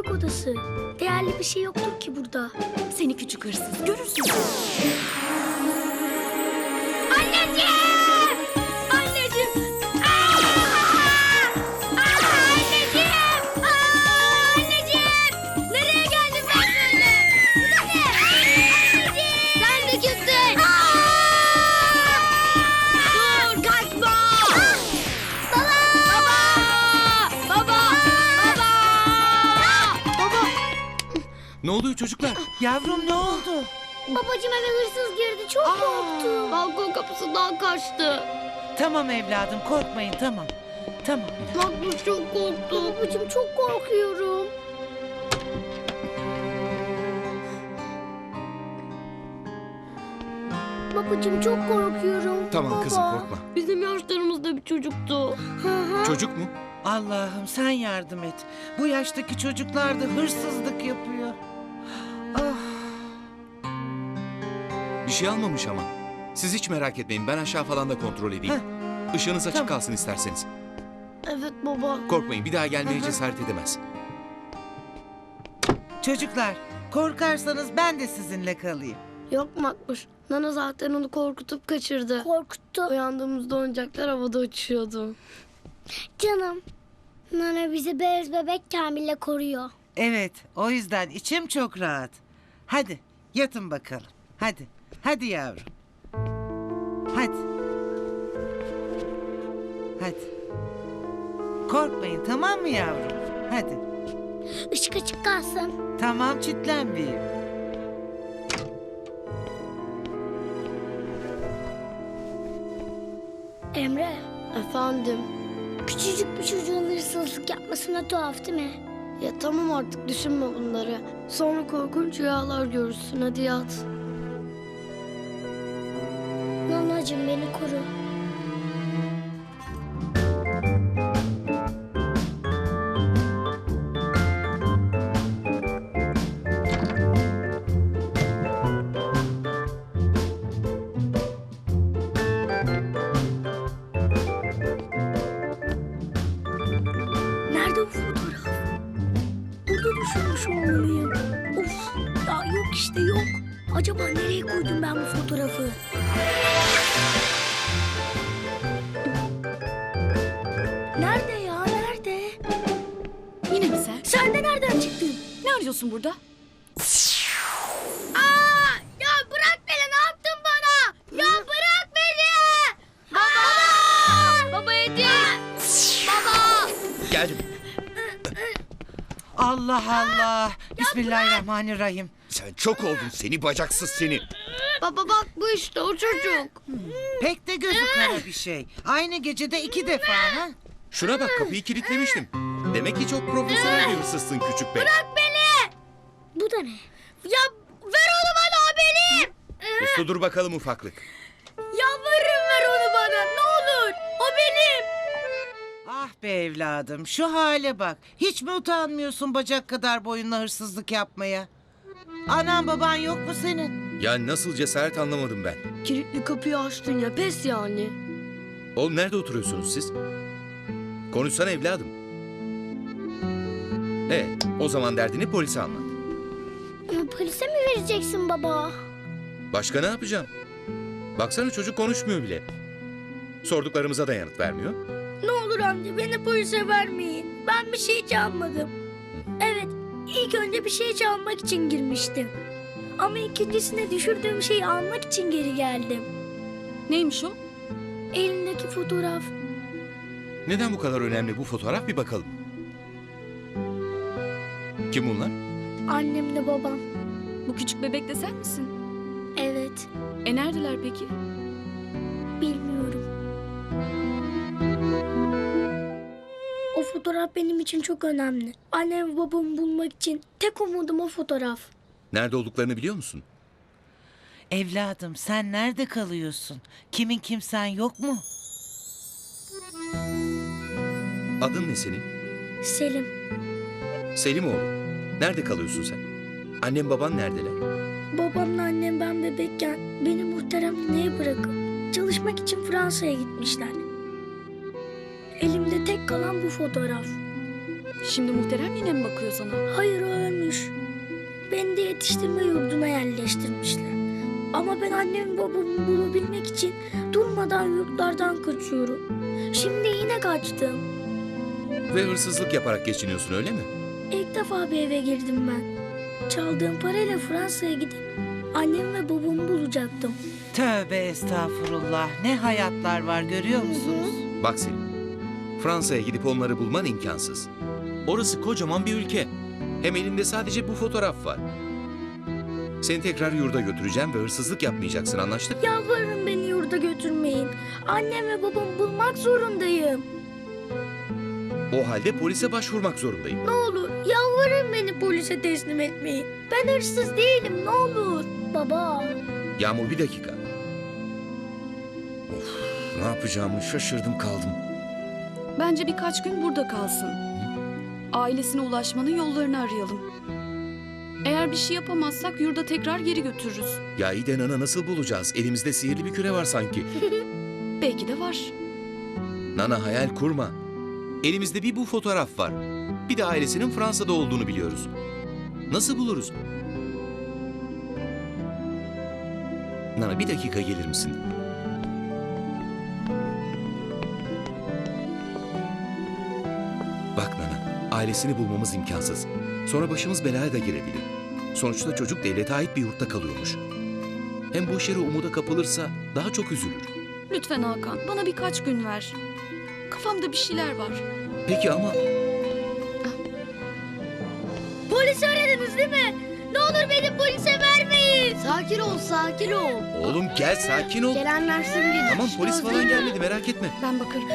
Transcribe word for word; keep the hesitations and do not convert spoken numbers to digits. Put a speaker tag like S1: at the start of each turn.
S1: yatak odası. Değerli bir şey yoktur ki burada.
S2: Seni küçük hırsız, görürsün.
S1: Anneciğim! Anneciğim! Aa! Aa, anneciğim! Aa, anneciğim! Nereye geldim ben böyle? Bu da ne? Anneciğim! Sen de kimsin? Dur, kaçma! Baba! Baba! Baba! Baba! Baba!
S3: Ne oluyor çocuklar?
S4: Yavrum ne oldu?
S1: Babacığım eve hırsız girdi. Çok korktum. Balkon kapısından kaçtı.
S4: Tamam evladım korkmayın tamam. Tamam.
S1: Makbuş çok korktu. Babacığım çok korkuyorum. Babacığım çok korkuyorum.
S3: Tamam
S1: Baba.
S3: kızım korkma.
S1: Bizim yaşlarımızda bir çocuktu. Hı hı.
S3: Çocuk mu?
S4: Allah'ım sen yardım et. Bu yaştaki çocuklar da hırsızlık yapıyor. Ah.
S3: Bir şey almamış ama. Siz hiç merak etmeyin, ben aşağı falan da kontrol edeyim. Işığınız açık
S4: Tamam.
S3: kalsın isterseniz.
S1: Evet baba.
S3: Korkmayın, bir daha gelmeye cesaret edemez.
S4: Çocuklar korkarsanız ben de sizinle kalayım.
S1: Yok Makbuş. Nana zaten onu korkutup kaçırdı. Korkuttu. Uyandığımızda oyuncaklar havada uçuyordu. Canım. Nana bizi beyaz bebek Kamil'le koruyor.
S4: Evet o yüzden içim çok rahat. Hadi yatın bakalım. Hadi. Hadi yavrum. Hadi. Hadi. Korkmayın tamam mı yavrum? Hadi.
S1: Işık açık kalsın.
S4: Tamam çitlenmeyeyim.
S1: Emre. Efendim. Küçücük bir çocuğun hırsızlık yapmasına tuhaf değil mi? Ya tamam artık düşünme bunları. Sonra korkunç rüyalar görürsün. Hadi yat. Nanacığım beni koru. Nerede bu fotoğraf? Burada düşürmüş olmalıyım. Of, ya yok işte yok. Acaba nereye koydum ben bu fotoğrafı? Nerede ya, nerede?
S2: Yine mi sen?
S1: Sen de nereden çıktın?
S2: Ne arıyorsun burada?
S1: Aa, ya bırak beni, ne yaptın bana? Ya bırak beni! Baba! Baba Edi! Baba!
S3: Geldim.
S4: Allah Allah. Bismillahirrahmanirrahim.
S3: Sen çok oldun seni bacaksız seni.
S1: Baba bak bu işte o çocuk.
S4: Pek de gözü kara bir şey. Aynı gecede iki defa ha?
S3: Şuna bak, kapıyı kilitlemiştim. Demek ki çok profesyonel bir hırsızsın küçük bey.
S1: Bırak beni! Bu da ne? Ya ver onu bana, o benim!
S3: Uslu dur bakalım ufaklık.
S1: Yalvarırım ver onu bana, ne olur. O benim.
S4: Ah be evladım şu hale bak. Hiç mi utanmıyorsun bacak kadar boyunla hırsızlık yapmaya? Anan baban yok mu senin?
S3: Ya nasıl cesaret anlamadım ben.
S1: Kilitli kapıyı açtın ya, pes yani.
S3: Oğlum nerede oturuyorsunuz siz? Konuşsana evladım. Evet, o zaman derdini polise anlat.
S1: Polise mi vereceksin baba?
S3: Başka ne yapacağım? Baksana çocuk konuşmuyor bile. Sorduklarımıza da yanıt vermiyor.
S1: Ne olur amca beni polise vermeyin. Ben bir şey çalmadım. Evet, ilk önce bir şey çalmak için girmiştim. Ama ikincisine düşürdüğüm şeyi almak için geri geldim.
S2: Neymiş o?
S1: Elindeki fotoğraf.
S3: Neden bu kadar önemli bu fotoğraf, bir bakalım. Kim bunlar?
S1: Annemle babam.
S2: Bu küçük bebek de sen misin?
S1: Evet,
S2: E neredeler peki?
S1: bilmiyorum. O fotoğraf benim için çok önemli. Annem ve babamı bulmak için tek umudum o fotoğraf.
S3: Nerede olduklarını biliyor musun?
S4: Evladım sen nerede kalıyorsun? Kimin kimsen yok mu?
S3: Adın ne senin?
S1: Selim.
S3: Selim oğlum. Nerede kalıyorsun sen? Annem baban neredeler?
S1: Babamla annem ben bebekken beni muhteremliğe bırakıp çalışmak için Fransa'ya gitmişler. Elimde tek kalan bu fotoğraf.
S2: Şimdi muhterem yine mi bakıyor sana?
S1: Hayır, o ölmüş. Beni de yetiştirme yurduna yerleştirmişler. Ama ben annemi babamı bulabilmek için durmadan yurtlardan kaçıyorum. Şimdi yine kaçtım.
S3: Ve hırsızlık yaparak geçiniyorsun öyle mi?
S1: İlk defa bir eve girdim ben. Çaldığım parayla Fransa'ya gidip annem ve babamı bulacaktım.
S4: Tövbe estağfurullah. Ne hayatlar var görüyor musunuz?
S3: Bak Selin, Fransa'ya gidip onları bulman imkansız. Orası kocaman bir ülke. Hem elinde sadece bu fotoğraf var. Seni tekrar yurda götüreceğim ve hırsızlık yapmayacaksın, anlaştık mı?
S1: Yalvarırım, beni yurda götürmeyin. Annem ve babamı bulmak zorundayım.
S3: O halde polise başvurmak zorundayım.
S1: Ne olur yalvarırım, beni polise teslim etmeyin. Ben hırsız değilim, ne olur. Baba.
S3: Yağmur, bir dakika. Of, ne yapacağımı şaşırdım kaldım.
S2: Bence birkaç gün burada kalsın. Ailesine ulaşmanın yollarını arayalım. Eğer bir şey yapamazsak yurda tekrar geri götürürüz.
S3: Ya iyi de Nana nasıl bulacağız? Elimizde sihirli bir küre var sanki.
S2: Belki de var.
S3: Nana, hayal kurma. Elimizde bir bu fotoğraf var. Bir de ailesinin Fransa'da olduğunu biliyoruz. Nasıl buluruz? Nana, bir dakika gelir misin? Bak Nana, ailesini bulmamız imkansız. Sonra başımız belaya da girebilir. Sonuçta çocuk devlete ait bir yurtta kalıyormuş. Hem boş yere umuda kapılırsa daha çok üzülür.
S2: Lütfen Hakan, bana birkaç gün ver. Kafamda bir şeyler var.
S3: Peki ama
S1: Polisi aradınız değil mi? Ne olur beni polise vermeyin. Sakin ol, sakin ol.
S3: oğlum gel, sakin ol.
S1: Gelen versin bir.
S3: Tamam, polis falan gelmedi, merak etme.
S2: Ben bakarım.